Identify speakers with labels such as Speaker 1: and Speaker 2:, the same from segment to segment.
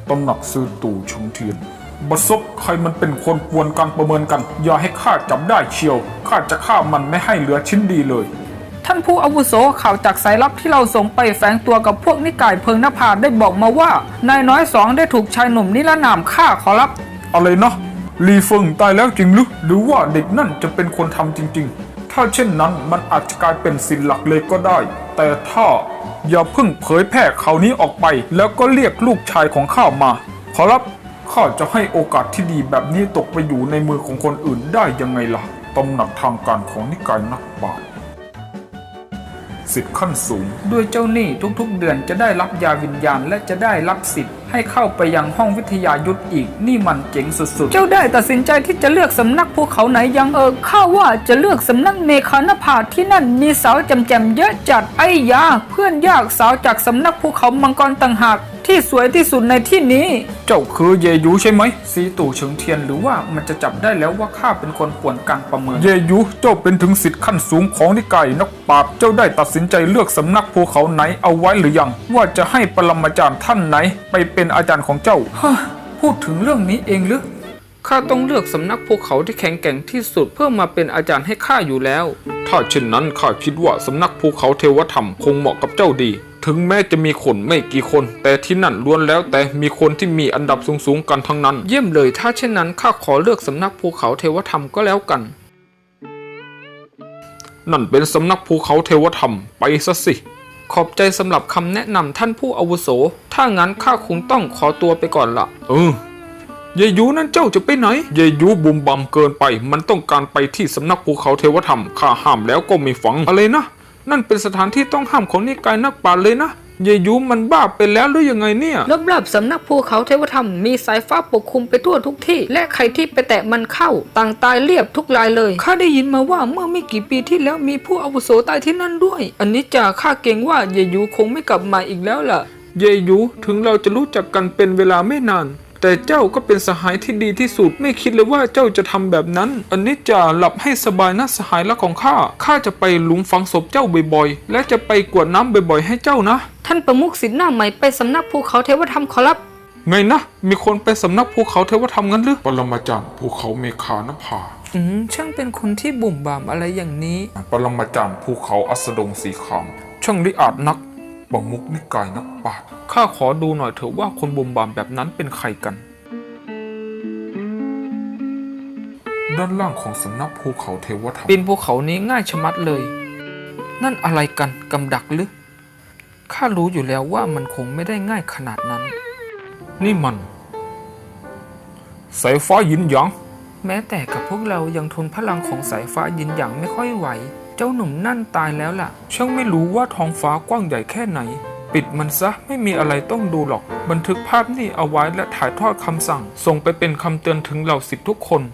Speaker 1: ตำหนักซื้อตู่ชงเทียนบัศกใครมันเป็นคนกวนการประเมินกันอย่าให้ข้าจับได้เชียวข้าจะฆ่ามันไม่ให้เหลือชิ้นดีเลย
Speaker 2: ท่านผู้อาวุโสข่าวจากสายลับที่เราส่งไปแฝงตัวกับพวกนิกายเพิงนภาได้บอกมาว่านายน้อยสองได้ถูกชายหนุ่มนิรนามฆ่าขอรับ
Speaker 1: อะไรนะลีเฟิงตายแล้วจริงหรือว่าเด็กนั่นจะเป็นคนทำจริงๆถ้าเช่นนั้นมันอาจจะกลายเป็นศิลหลักเลยก็ได้แต่ถ้าอย่าเพิ่งเผยแพร่ข่าวนี้ออกไปแล้วก็เรียกลูกชายของข้ามาขอรับข้าจะให้โอกาสที่ดีแบบนี้ตกไปอยู่ในมือของคนอื่นได้ยังไงล่ะตำหนักทางการของนิกายนักปราชญ์สิทธิ์ขั้นสูง
Speaker 2: ด้วยเจ้าหนี้ทุกๆเดือนจะได้รับยาวิญญาณและจะได้รับสิทธิ์ให้เข้าไปยังห้องวิทยายุทธอีกนี่มันเจ๋งสุดๆเจ้าได้ตัดสินใจที่จะเลือกสำนักภูเขาไหนยังข้าว่าจะเลือกสำนักเมฆานภาที่นั่นมีสาวแจ่มๆเยอะจัดไอ้ยาเพื่อนยากสาวจากสำนักภูเขามังกรต่างหากที่สวยที่สุดในที่นี้
Speaker 1: เจ้าคือเยยูใช่ไหมสีตู่เฉิงเทียนหรือว่ามันจะจับได้แล้วว่าข้าเป็นคนป่วนการประเมินเยยูเจ้าเป็นถึงศิษย์ขั้นสูงของนิกายนักปราชญ์เจ้าได้ตัดสินใจเลือกสำนักภูเขาไหนเอาไว้หรือยังว่าจะให้ปรมาจารย์ท่านไหนไปเป็นอาจารย์ของเจ้า
Speaker 2: พูดถึงเรื่องนี้เองหรือข้าต้องเลือกสำนักภูเขาที่แข็งแกร่งที่สุดเพื่อมาเป็นอาจารย์ให้ข้าอยู่แล้ว
Speaker 1: ถ้าเช่นนั้นข้าคิดว่าสำนักภูเขาเทวธรรมคงเหมาะกับเจ้าดีถึงแม้จะมีคนไม่กี่คนแต่ที่นั่นล้วนแล้วแต่มีคนที่มีอันดับสูงๆกันทั้งนั้น
Speaker 2: เยี่ยมเลยถ้าเช่นนั้นข้าขอเลือกสำนักภูเขาเทวธรรมก็แล้วกัน
Speaker 1: นั่นเป็นสำนักภูเขาเทวธรรมไปซะสิ
Speaker 2: ขอบใจสำหรับคำแนะนำท่านผู้อาวุโสถ้างั้นข้าคงต้องขอตัวไปก่อนละ
Speaker 1: เยยูนั่นเจ้าจะไปไหนเยยูบุมบัมเกินไปมันต้องการไปที่สำนักภูเขาเทวธรรมข้าห้ามแล้วก็ไม่ฟังอะไรนะนั่นเป็นสถานที่ต้องห้ามของนิกายนักปราชญ์เลยนะเยยูมันบ้าไปแล้วหรือยังไงเนี่ย
Speaker 2: รอบๆสำนักภูเขาเทวธรรมมีสายฟ้าปกคลุมไปทั่วทุกที่และใครที่ไปแตะมันเข้าต่างตายเรียบทุกรายเลยข้าได้ยินมาว่าเมื่อไม่กี่ปีที่แล้วมีผู้อาวุโสตายที่นั่นด้วยอันนี้จะข้าเกรงว่าเยยูคงไม่กลับมาอีกแล้วล่ะ
Speaker 1: เยยูถึงเราจะรู้จักกันเป็นเวลาไม่นานแต่เจ้าก็เป็นสหายที่ดีที่สุดไม่คิดเลยว่าเจ้าจะทำแบบนั้นอันนี้จะหลับให้สบายนะสหายรักของข้าจะไปหลุมฝังศพเจ้าบ่อยๆและจะไปกวดน้ำบ่อยๆให้เจ้านะ
Speaker 2: ท่านประมุขศิษย์หน้าใหม่ไปสำนักภูเขาเทวธรรมขอรับ
Speaker 1: ไงนะมีคนไปสำนักภูเขาเทวธรรมงั้นหรือปรมาจารย์ภูเขาเมฆานภา
Speaker 2: ช่างเป็นคนที่บุ่มบามอะไรอย่างนี้
Speaker 1: ปรมาจารย์ภูเขาอัสดงสีขามช่างลิอาจนักประมุขนิกายนักปราชญ์ข้าขอดูหน่อยเถอะว่าคนบุ่มบามแบบนั้นเป็นใครกันด้านล่างของสำนักภูเขาเทวธรรม
Speaker 2: ปีนภูเขานี้ง่ายชะมัดเลยนั่นอะไรกันกำดักหรือข้ารู้อยู่แล้วว่ามันคงไม่ได้ง่ายขนาดนั้น
Speaker 1: นี่มันสายฟ้ายินหยาง
Speaker 2: แม้แต่กับพวกเรายังทนพลังของสายฟ้ายินหยางไม่ค่อยไหวเจ้าหนุ่มนั่นตายแล้วล่ะ
Speaker 1: ช่างไม่รู้ว่าท้องฟ้ากว้างใหญ่แค่ไหนปิดมันซะไม่มีอะไรต้องดูหรอกบันทึกภาพนี่เอาไว้และถ่ายทอดคำสั่งส่งไปเป็นคำเตือนถึงเหล่าศิษย์ทุกคน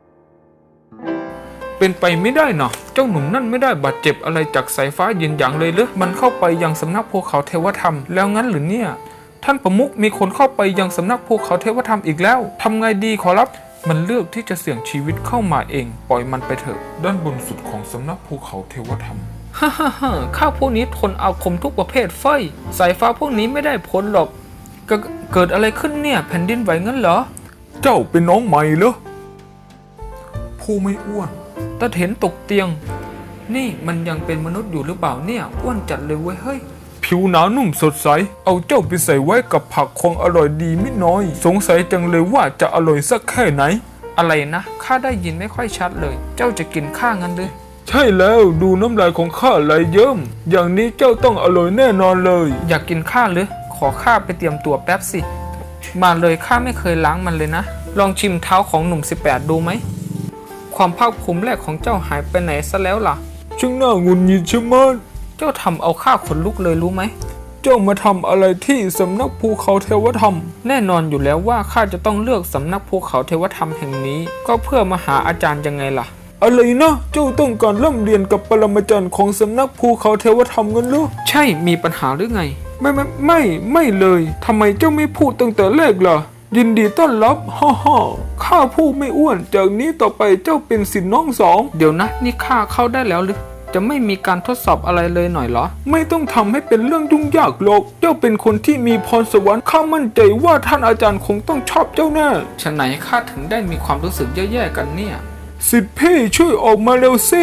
Speaker 1: เป็นไปไม่ได้นะเจ้าหนุ่มนั่นไม่ได้บาดเจ็บอะไรจากสายฟ้ายินหยางเลยหรือมันเข้าไปยังสำนักภูเขาเทวธรรมแล้วงั้นหรือเนี่ยท่านประมุขมีคนเข้าไปยังสำนักภูเขาเทวธรรมอีกแล้วทำไงดีขอรับมันเลือกที่จะเสี่ยงชีวิตเข้ามาเองปล่อยมันไปเถอะด้านบนสุดของสำนักภูเขาเทวธรรม
Speaker 2: ข้าพวกนี้ทนอาคมทุกประเภทเฟ้ยสายฟ้าพวกนี้ไม่ได้ผลหรอกเกิดอะไรขึ้นเนี่ยแผ่นดินไหวงั้นเหรอ
Speaker 1: เจ้าเป็นน้องใหม่เหรอผู้ไม่อ้วน
Speaker 2: ตาเห็นตกเตียงนี่มันยังเป็นมนุษย์อยู่หรือเปล่าเนี่ยอ้วนจัดเลยเว้ยเฮ้ย
Speaker 1: ผิวหนานุ่มสดใสเอาเจ้าไปใส่ไว้กับผักของอร่อยดีไม่น้อยสงสัยจังเลยว่าจะอร่อยสักแค่ไหน
Speaker 2: อะไรนะข้าได้ยินไม่ค่อยชัดเลยเจ้าจะกินข้างั้นเลย
Speaker 1: ใช่แล้วดูน้ำลายของข้าไหลเยิ้มอย่างนี้เจ้าต้องอร่อยแน่นอนเลย
Speaker 2: อยากกินข้าหรือขอข้าไปเตรียมตัวแป๊บสิมาเลยข้าไม่เคยล้างมันเลยนะลองชิมเท้าของหนุ่ม18ดูไหมความภาคภูมิแรกของเจ้าหายไปไหนซะแล้วล่ะ
Speaker 1: ช่างน่าหงุดหงิดใช่ไหม
Speaker 2: เจ้าทำเอาข้าขนลุกเลยรู้ไหม
Speaker 1: เจ้ามาทำอะไรที่สำนักภูเขาเทวธรรม
Speaker 2: แน่นอนอยู่แล้วว่าข้าจะต้องเลือกสำนักภูเขาเทวธรรมแห่งนี้ก็เพื่อมาหาอาจารย์ยังไงล่ะ
Speaker 1: อะไรนะเจ้าต้องการร่ำเรียนกับปรมาจารย์ของสำนักภูเขาเทวธรรมกันหรือ
Speaker 2: ใช่มีปัญหาหรือไง
Speaker 1: ไม่เลยทำไมเจ้าไม่พูดตั้งแต่แรกล่ะยินดีต้อนรับฮ่าข้าผู้ไม่อ้วนจากนี้ต่อไปเจ้าเป็นศิษย์น้องสอง
Speaker 2: เดี๋ยวนะนี่ข้าเข้าได้แล้วหรือจะไม่มีการทดสอบอะไรเลยหน่อยเหรอ
Speaker 1: ไม่ต้องทำให้เป็นเรื่องยุ่งยากหรอกเจ้าเป็นคนที่มีพรสวรรค์ข้ามั่นใจว่าท่านอาจารย์คงต้องชอบเจ้าแน่
Speaker 2: ฉะไหนข้าถึงได้มีความรู้สึกแย่ๆกันเนี่ย
Speaker 1: สิทธิพี่ช่วยออกมาเร็วสิ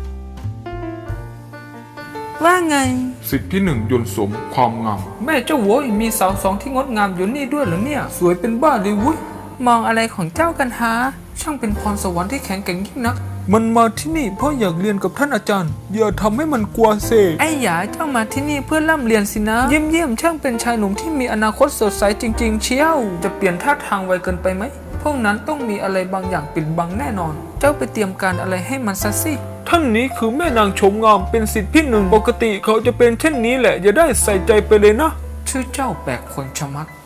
Speaker 3: ว่าไง
Speaker 1: สิทธิที่หนึ่งยนต์สมความงาม
Speaker 2: แม่เจ้าโว้ยมีสาวสองที่งดงามอยู่นี่ด้วยเหรอเนี่ย สวยเป็นบ้าเลยวุ้ย
Speaker 3: มองอะไรของเจ้ากันฮะ
Speaker 2: ช่างเป็นพรสวรรค์ที่แข็งแกร่งยิ่งนัก
Speaker 1: มันมาที่นี่เพราะอยากเรียนกับท่านอาจารย์ อย่าทำให้มันกลัวเสก
Speaker 3: ไอ้หยาเจ้ามาที่นี่เพื่อร่ำเรียนสินะ
Speaker 2: เยี่ยมช่างเป็นชายหนุ่มที่มีอนาคตสดใสจริง ๆ เชียว จะเปลี่ยนท่าทางไวเกินไปไหม พวกนั้นต้องมีอะไรบางอย่างปิดบังแน่นอน เจ้าไปเตรียมการอะไรให้มันซะสิ
Speaker 1: ท่านนี้คือแม่นางชมงามเป็นสิทธิพี่หนึ่งปกติเขาจะเป็นเช่นนี้แหละอย่าได้ใส่ใจไปเลยนะ
Speaker 2: ชื่อเจ้าแปลกคนชะมัด